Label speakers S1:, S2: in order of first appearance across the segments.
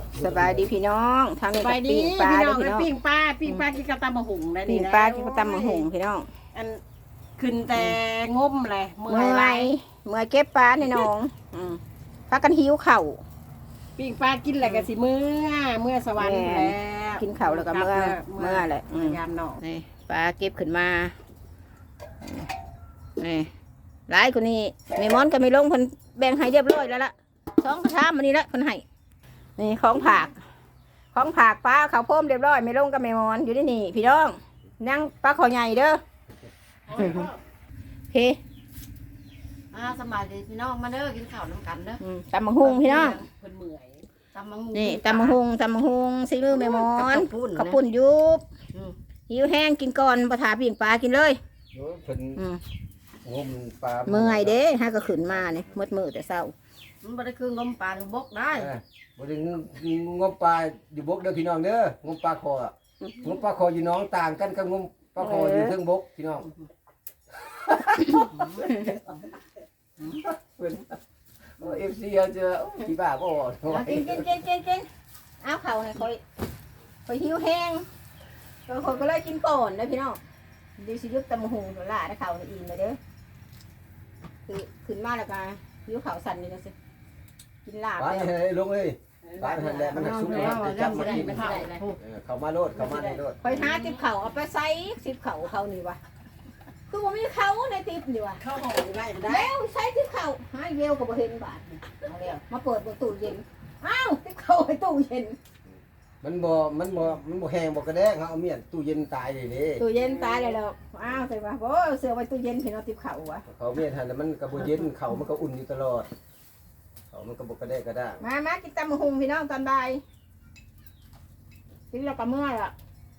S1: สบายดีพี่น้องทางนี้
S2: ไป
S1: ก็
S2: ดี
S1: ปิ้งปลา
S2: พี่
S1: เด้
S2: น้
S1: อ
S2: อง
S1: พี่น้อง
S2: ปิ้งปลากินกับตำมะหุงได้
S1: ปิ้
S2: นี่
S1: ง
S2: นะ
S1: ปลากินกับตำมะหุงพี่น้อง
S2: อันขึ้นแต่งมเลยเมื่
S1: เมื่
S2: อย
S1: อ
S2: ไร
S1: ยเมื่อยเก็บปลาในหน้องพากันหิวเข่าว
S2: ปิ้งปลากินอะไรกันสิเมื่อสวรรค์
S1: แม่
S2: แล้ว
S1: กินข้าวแล้วก็เมื่อแหละ
S2: ยามหนอก
S1: นี่ปลาเก็บขึ้นมานี่หลายคนนี้แม่มอนก็ไม่ลงเพิ่นแบ่งให้เรียบร้อยแล้วล่ะ2กระชามมันนี้ละเพิ่นให้นี่ของผักปลาเขาวโพมเรียบร้อยไม่ลงกับแม่มอนอยู่ที่นี่พี่น้องนั่งปลาขอใหญ่เด้อโอเค
S3: สบายดีพี่น้องมาเด้อกินข้าวน้ำกันเด้อ
S1: ตำบักหุงพี่น้อง
S2: เพิ่นเมื่อย
S3: ตำมังงู
S1: นี่ตำบักหุงซิลือแม่มอน
S3: กับ
S1: ข้าวปุ้นยุบ
S3: อืม
S1: หิวแห้งกินก่อนปลาถาปิ้งปลากินเลย
S4: โอ้ยเพิ่น
S1: อืม
S4: งมปลา
S1: เมื่อยเด้ฮะก็ขึ้นมานี่มืดแต่เช้า
S3: มันบ่ได้คืองมปลาหรือบกได้
S4: บ่ได้งมปลาอยู่บกเด้อพี่น้องเด้องมปลาคออะงมปลาคออยู่หน้องต่างกันกับงมปลาคออยู่เทิงบกพี่น้องเพิ่นFC เอาเจอพี่บ้าบ่
S1: เอากินเอาเข่าให้คอยหิวแห้งคนก็เลยกินก่อนนะพี่น้องดิสิยุบตำบักหุงตัวละนะเข่าในอิ่มเลยเด้อคือขึ้นมาแล้วก็หิวเข่าสั่นนี่นะสิกินลาบ
S4: ปลา
S1: แล้ว
S4: ให้ลงเลยปลาหันแหละมันหักสุกแล้วจะจับมากิน
S3: ไม่ได้เลย
S4: เข้ามาโลดเข้ามาในโลด
S1: คอยหาติบเข่าเอาไปใส่ติบเข่าเขานี่วะคือว่ามีเขาในติบนี่วะ
S2: เข้าห้องได้ก็ได้
S1: แล้วใช้ติบเข่าหาเวลกับเห็นบาทนี่เอาแล้วมาเปิดประตูเย็นอ้าวติบเข่าไปตู้เย็น
S4: มันบ่แห้งบ่กระแดงเฮาเอาเมียนตู้เย็นตายเลยเด้
S1: ตู้เย็นตายเลยหรอกอ้าวใส่ว่าโอ้เสือไว้ตู้เย็นเห็นเอาติบเข่าวะ
S4: เขาเมียนหันแล้วมันก็บ่เย็นเขามันก็อุ่นอยู่ตลอดเขามันก็บ่กระแดกกระด้าง
S1: มากินตำมะฮุงพี่น้องตอนบ่ายกินแล้วก็เมื่อยละ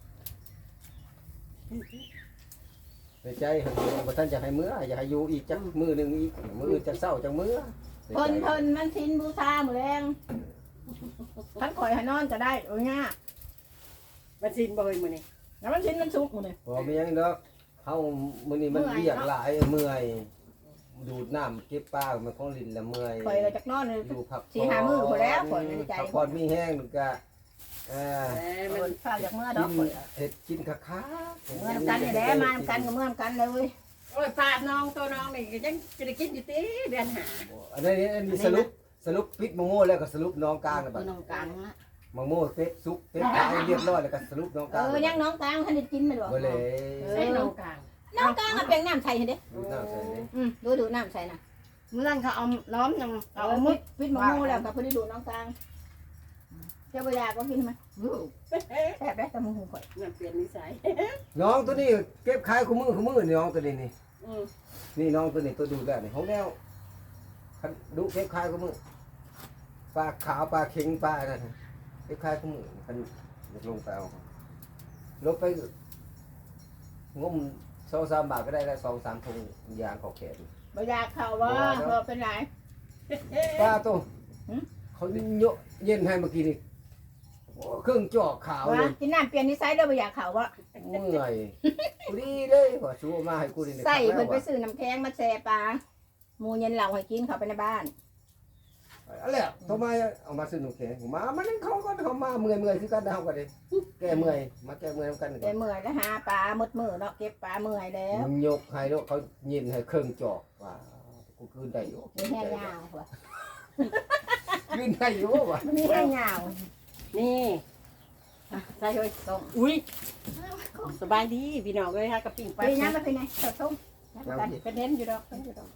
S4: ในใจหันบ่ทันจะให้มื้ออยากให้อยู่อีกจักมื้อหนึงอีกมื้อจักเช้าจักมื้อ
S1: เพิ่นมันชินบูชาหมดแรงท่านข่อยให้นอนก็ได้โอ้ยง่า
S2: มันสินบ่เฮ้ยมื้อนี้
S1: แล้วมันชินมันสุกหมดเลย
S4: บ่มีหยังดอกเฮามื้อนี้มันเวียกหลายเมื่อยดูดน้ำเก็บปลามันของลิ้นละเมื่อย
S1: ข่อยก็จากนอนเลย
S4: อยู่พัก
S1: สี่ห้ามื้อพอแล้วข่อยในใจ
S4: พักผ่อนมีแห้งก็
S1: เ
S4: เอ
S1: อ
S2: มัน
S1: อข้าวจากเมื่อด
S4: กิ
S1: อก
S4: น
S1: ข่อย
S4: เฮ็ดกินคัก
S1: เมื่อกันนี่แหละมากันกับเมื่อกันเลยเว้ย
S2: โอ้ยปลาน้องตัวน้องนี่ก็ยังจะได้กินอยู่ติเดือนหา
S4: อันนี้สรุปปิดมะโม่แล้วก็สรุปน้องกลางแล้วบั
S3: คื
S4: ด
S3: อน้องกลางละ
S4: มะโม่เฟซซุกเฟซขายเรียบร้อยแล้วก็สรุปน้องกลาง
S1: ยังน้องกลางท่านได้กินมันหรอ
S4: บ่เลย
S2: ใส่น้องกลาง
S1: น้องกลางมันเป็นน้ำใส่เห็นเด้
S4: ดูน้ำใส่เลย
S1: ดูน้ำใส่น่ะ
S3: เมื่อนั้นเขาเอาล้อมยัง
S1: เอา
S3: เอา
S1: มุ
S3: มุ
S1: ด
S3: ด
S1: วิทย์มะม่วงแล้วกับพอดีดูน้องกลางเจ้าบยาก็กินไหมแซ่บได้แต่มึงหูข่อย
S2: มันเปลี่ยนนิสัย
S4: น้องตัวนี้เก็บขายคู่มือนี่น้องตัวนี้นี่
S2: อืม
S4: นี่น้องตัวนี้ตัวดูแล้วนี่ของแนวคันดูเก็บขายคู่มือปลาขาวปลาเค็งปลานั่นเก็บขายคู่มือคันลงไปเอาลงไปงม2-3 บาทก็ได้แล้ว2-3 ถุงยางเขาแขน
S1: บยาเขาว่าเพอเป็นไร
S4: ปลาตัวเขาโยเย็นให้เมื่อกี้นี่โอ้เครื่องจอกขาว
S1: ว่า
S4: เลย
S1: กินน้ำเปลี่ยนนิสัยเด้อบยาเขาว่า
S4: เมื่อยกูดีเลยว่าชูมาให้กูนี่
S1: ใส่เพิ่นไปซื้อน้ำแข็งมาแช่ปลาหมูเย็นเหล่าให้กินเขาไปในบ้าน
S4: อะไรอ่ะทำไมเอามาซื้อหนูแข็งมามันนั่งเขาก็เขามาเมื่อยคือกันเฮากันดิแก้เมื่อยมาแก้เมื่อยกัน
S1: แต่เมื่อยแล้วหาปลาหมดมือเนาะเก็บปลาเมื่อยแล้ว
S4: มึงยกให้แล้วเขาเย็นให้เครื่องจอกว่ากูคืนได้อยู่
S1: มีแห้งยาวว่ะ
S4: คืนได้อยู่ว่ะ
S1: มีแห้งยาว
S2: นี่
S1: ใส่เลยส่ง
S2: อุ้ยสบายดีพี่น้องเอ้ยฮะกับปิ้งปลา
S1: ไปน้ำมาเป็นไงสดส้ม
S2: เป็นเน้นอยู่ดอกเป็นอยู่ดอก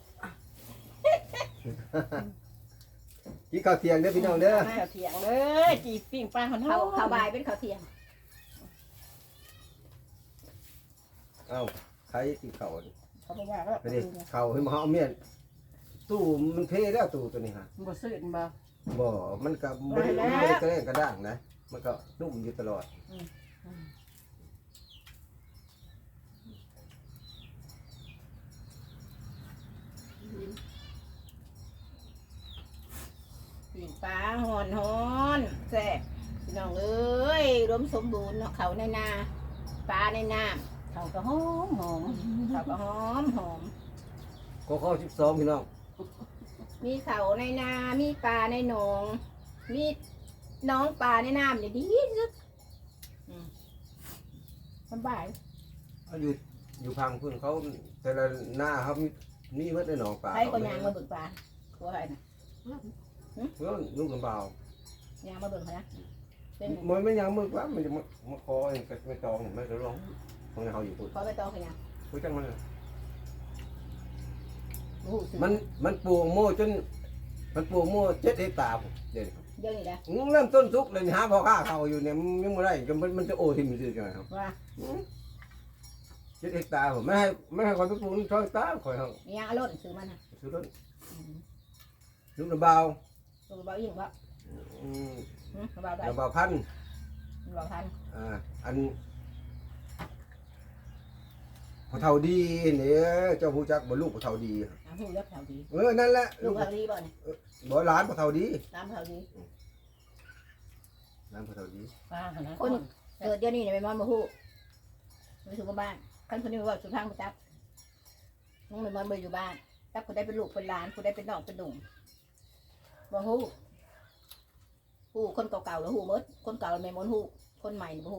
S4: กินข้าวเที่ยงเด้อพี่น้องเด้อ
S2: ข้าวเที่ยงเลยจีปิ้งปลาหอน
S1: เขาบ่ายเป็นเขาเที่ยง
S4: เอ้าใครกินข้าว
S2: เขาบอกว่าก็
S4: ไปดิข้าวให้มาเอาเมียนตู้มันเพแล้วตู้ตัวนี้ฮะ
S2: บ่ซื้อบ่
S4: บ่มันก็บ่ได้กระแรงกระด้างนะมันก็นุ่มอยู่ตลอด
S1: ปีนปลาหอนแซ่บพี่น้องเอ้ยรวมสมบูรณ์เนาะเขาในนาปลาในน้ำเขาก็หอมเขาก็หอม
S4: ก็ข้อ12พี่น้อง
S1: มีเขาในนา มีปลาในหนอง มีน้องปลาในน้ำเนี่ยดีที่สุดสบาย
S4: เขาอยู่พังพื้นเขาแต่ละหน้าเขามีเมื่อได้หนองปลา
S1: ใครก็ยางมาเบิ่งปลาตัวใครนะ
S4: เพื่อนลูกกระเบาย
S1: างมาเบิ่งเขานะเป็น
S4: มันไม่ยังมือว่ามันจะมาคอเองก็ไม่ตองไม่จะร้องตรงนี้เขาอยู่พูด
S1: ขอไปตองเขายาง
S4: พูดจังมัน
S1: โอ้โหซื้อ
S4: มันปลูกโม่จนมันปลูกโม่7 เฮกตาร์เดี๋ยว
S1: เดี๋ยวนี้นะ
S4: เริ่มต้นทุกเลยหาพอค่าเขาอยู่เนี่ยยังไม่ได้จนมันจะโอทิมซื่อจังครับ
S1: ว่า
S4: 7 เฮกตาร์ผมไม่ให้คนไปปลูกช่อยตาคอยเขา
S1: มียางอร่อยซื้อมันนะ
S4: ซื้อรถลูกกระเบา
S1: ตัวเบายิ่งวะเบาได้
S4: กระเบาพัน
S1: เบาทัน
S4: อันพอเท่าดีเนี่ยเจ้าผู้จักบ่ลูกพอเท่าดี
S1: หูยับเท่าดี
S4: นั่นแหละ
S1: ลู
S4: ลู
S1: ก
S4: ก
S1: เท่าดีบ่เนี่ย
S4: บ่ร้านพอเท่าดี
S1: ตามเท่าดี
S4: ร้านพอเท่าดี
S3: ปลาขนาด
S1: คนเกิดเดี๋ยวนี้เนี่ยไปมอนมาหูไปสู่บ้านคันคนนี้ว่าสุดทางไปจับน้องไปมอนไปอยู่บ้านจับคนได้เป็นลูกเป็นหลานคนได้เป็นน้องเป็นดุ่งบ่หูหูคนเก่าๆแล้วหูมดคนเก่าไม่มอนหูคนใหม่บ่หู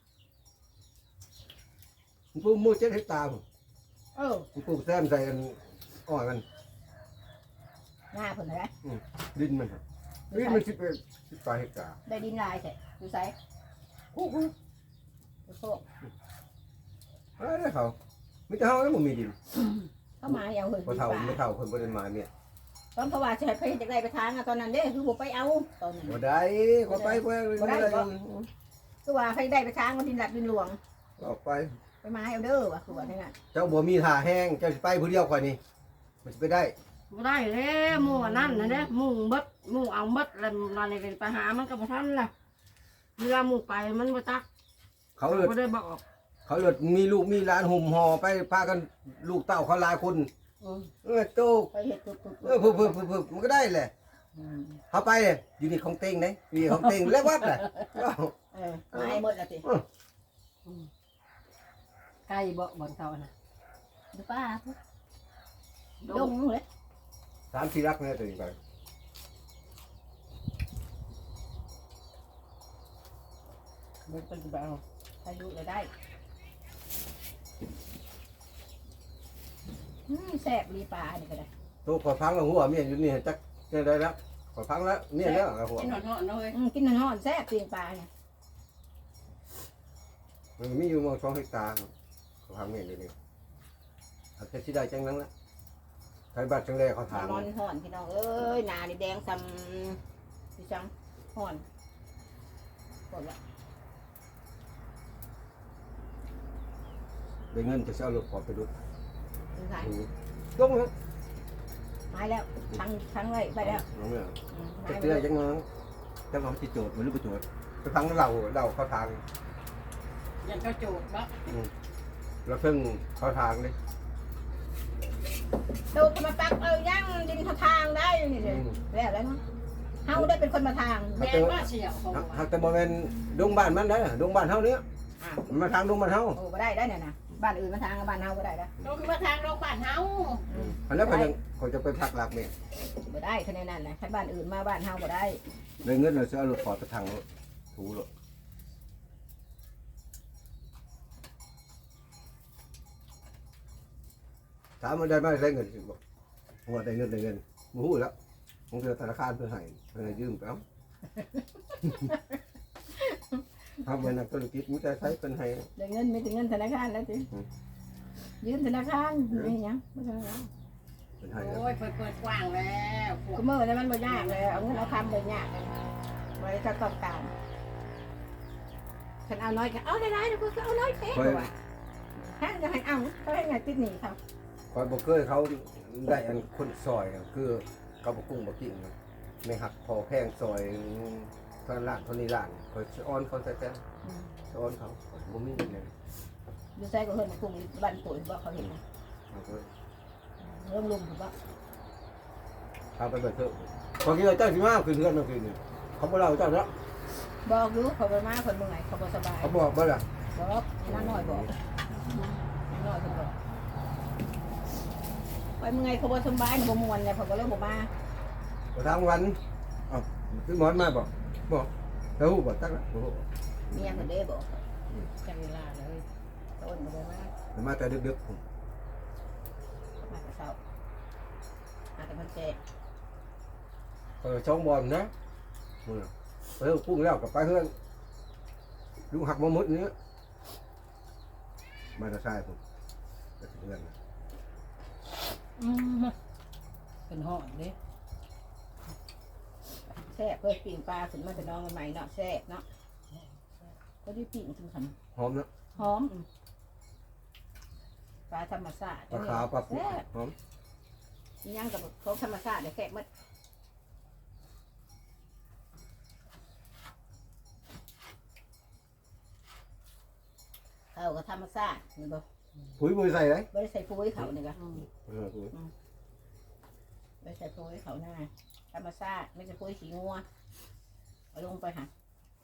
S4: ปลูกโม่7 เฮกตาร์
S1: เออ
S4: ปลูกแซมใส่กันอ้อยมัน
S1: หน้าเพิ่นนะ
S4: ดินมันดินมัน18 เฮกตาร์
S1: ได้ดินลายแท้อยู่ไส
S4: โอ้โห
S1: อยู่โคก
S4: อะไรเขาไม่เท่าแล้วมันมีดิน
S1: เข้ามาอย่างเฮ้ย
S4: พอเท่าไม่เท่าคนบ่ได้มาเนี่ย
S1: ตอนเพราะว่าจะให้ไปจากใดไปทางตอนนั้นเด้คือบ่ไปเอาตอนนั้น
S4: บ่ได้ขอไปเพื่อน
S1: คือว่าใครได้ไปทางมันดินหลักดินหลวง
S4: ออกไป
S1: ไปมาเอาเด้อว่ะคือว่านั่นน่ะ
S4: เจ้าบ่มีท่าแห้งเจ้าสิไปผู้เดียวค่อยนี่มันสิไปได้
S3: บ่ได้แล้วหมู่อันนั่นนะเด้หมู่เบิดหมู่เอาเบิดแล้วเราเลยไปหามันก็บ่ทันล่ะเวลาหมู่ไปมันบ่จัก
S4: เขาเลิศ
S3: บ่ได้บอก
S4: เขาเลิศมีลูกมีหลานห่มห่อไปพากันลูกเต้าเขาหลายคนโต
S1: ไปเฮ็ดตุ๊บ
S4: เพิ่มมันก็ได้แหละเขาไปอยู่นี่ของเต็งไหนมีของเต็งแล้ววัดแหละ
S1: มาให้หมดแล้วสิ
S3: ไก่บ่บ่อนเก่าน่ะ
S1: ดูป้าดงเลย
S4: 3-4 รักเนี่ยตัวนี้ไป
S3: มันเป็นแบบ
S1: อายุจะได้แซ่บรีปลานี่ก็ได้
S4: ตัวขอพังแล้วหัวเมียอยู่นี่จักได้แล้วขอพังแล้วเมียแล้วหัว
S2: กินหอนๆเลย
S1: กินน้ำแซ่บปีนปลาเนี่ย
S4: มันมีอยู่มอง2 เฮกตาร์ขอพังเมียอยู่นี่อาจจะสิได้จังนั้นละใครบัตรจังได๋เขาถาม
S1: นอนห่อนพี่น้องเอ้ยหนานี่แดงซ้ำพี่จังห่อนหมดละ
S4: ได้เงินจะเอารถขอไปดู
S1: ดูสาย
S4: ต้องฮะ
S1: ไม้แล้วทั้งไว้ไปแล้ว
S4: น้องเนี่ย
S1: ไม้
S4: จะ
S1: ไป
S4: เตือ
S1: แล้ว
S4: จังนั้นจังหวะที่โจทย์มันรู้ประโจทย์ไปพังเราเข้าทาง
S2: ยันก็โจดบ่
S4: เราเพิ่งเข้าทางเลย
S1: ดูก็มาปักย่างดินทางได้นี่เลยแล้วเนาะเฮาได้เป็นคนมาทาง
S2: แม่ว่าเฉียวของ
S4: หากแต่บ่แม่นดงบ้านมันได้ดงบ้านเฮาเนี้ยมาทางดงบ้านเฮา
S1: โอ้บ่ได้เนี่ยนะบ้านอื่นมาทางบ้านเฮาบ่ได้แล้ว
S2: เราคือมาทางโรงพยาบาลเฮา
S4: อันนั้นก็ยังเขาจะไปพักหลักเนี่ย
S1: บ่ได้คะแนนนั่นนะถ้าบ้านอื่นมาบ้านเฮาบ่ได้
S4: เลยเงินเราจะเอารถขอไปทางถูรถถามมันได้ไหมได้เงินสิบอกว่าได้เงินมู้แล้วผมเจอธนาคารเพื่อให้เพื่อยืมไปเอาทำเป็นนักธุรกิจมุ้งใจใช้เป็นให้
S1: ได้เงินไม่ถึงเงินธนาคารแล้วสิยืมธนาคารนี่หยังบ่ธนาคาร
S4: เป็นให้
S2: โอ้ยเปิดกว้างแล้ว
S1: ก็มื้อนั้นมันบ่ยากเลยเอาเงินเอาคำบ่ยากเลยไว้ถ้าต้องการฉันเอาน้อยก็เอาได้ๆเดี๋ยวก็เอาน้อยแท้กว่าถ้าจะให้เอาก็ให้ไงติดหนี้เขา
S4: คอยบอกเคยเขาได้อันคนซอยคือเขาบอกกุ้งบอกกิ่งไม่หักพอแพงซอยเท่าล้านเท่านี้ล้านคอยอ้อนเขาแต่อ้อนเขาบ่มีเลย
S1: อยู่ใส่ก็เฮิ่นมาคุงบ้านปุ๋ยบ่เขาเห็นนะเริ่มลุมถูกบ่
S4: ทำไปเบิดเถอะพอกี้เราเจ้าสิมาคือเพื่อนเราคือนี่เขาบอกเราเจ้าเนาะ
S1: บอกอยู่เขาไปมาเพิ่นเมื่อยเขาบ่สบาย
S4: เขาบอกบ่ล่ะ
S1: บอกน้าน้อยบอกน้าน้อยเพิ่นบอกไปเมื่อยเขาบ่สบายบ่ม่วนเลยเขาก็เลยบ่มา
S4: พอทางวันอ้าวคือหมอนมาบอกแล้วหูบ่ตั้งละโอ้โห
S1: เมียคนเด้บอก
S2: จังเวลาเลย
S1: ต้นมาเลยว่า
S4: มันมาแต่ดึกๆผม
S1: มาแต่เช้ามาแต่มันแจก
S4: ช่องบอลนะไปเฮือนปุ้งแล้วกับไปเฮือนลุงหักมาหมดนี้มาจะใช่ผมไปถึงเฮือน
S2: เป็นห่อนเด้
S1: แซ่บเพื่อปิ่งปลาขึ้นมาแต่น้องใหม่ๆเนาะแซ่บเนาะก็ได้ปิ่งถึงขัน
S4: หอมนะ
S1: หอมปลาธรรมชาติ
S4: ปลาขาวปลาปุ๊
S1: แซ่บ
S4: หอม
S1: ยังกับครบธรรมชาติเดี๋ยวแซ่บหมดเขาก็ธรรมชาตินี่บ่
S4: ปุ๋ยมือใส่เลย
S1: ไม่ได้ใส่ปุ๋ยเขาเนี่ยก็
S4: ปุ๋ย
S1: ไม่ใส่ปุ๋ยเขาหน้าธรรมชาติไม่ใช่ปุ๋ยขี้งัวเอาลงไปหา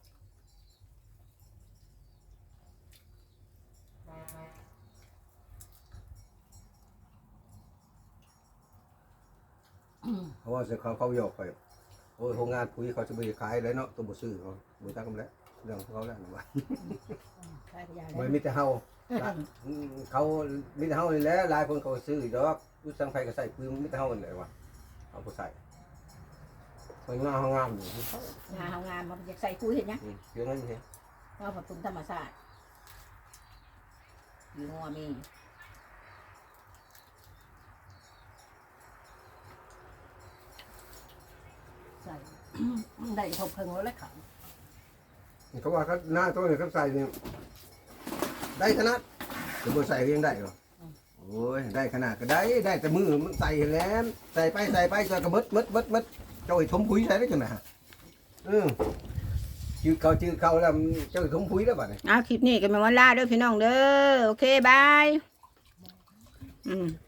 S4: เพราะว่าเสเขาหยอกไปโอ้ยโรงงานปุ๋ยเขาจะไปขายเลยเนาะตัวบุซื้อเขาบุตั้งกันแล้วเรื่องของเขาแล้วนะว่า
S1: ใช่พยา
S4: ไม่
S1: แล้ว
S4: มีแต่เฮาเขามีแต่เฮานี่แหละหลายคนเขาซื้อดอกรู้สังไฟก็ใส่ปุ๋ยมีแต่เฮานี่แหละว่าเอาไปใส่มันงามงามอยู่
S1: งานเขางานมันจะใส่ปุ๋ยเห็นยัง
S4: เยอะนั่นเอง
S1: ว่าผักตุนธรรมชาติอยู่งัวมีใส่ ได้ทบเพิ่งแล้วขัง
S4: เขาว่าเขาหน้าตัวเนี่ยเขาใส่เนี่ยได้ขนาดจะบ่ใส่ก็ยังได้หรอโอ้ยได้ขนาดก็ได้แต่มือมันใส่แล้วใส่ไปจนกระมึดเจ้าไอ้ถมปุ๋ยใส่ได้จังไงจืดเขาแล้วเจ้าไอ้ถมปุ๋ยแล้วบัดนี้
S1: คลิปนี้ก็เป็นวันลาเด้อพี่น้องเด้อโอเคบาย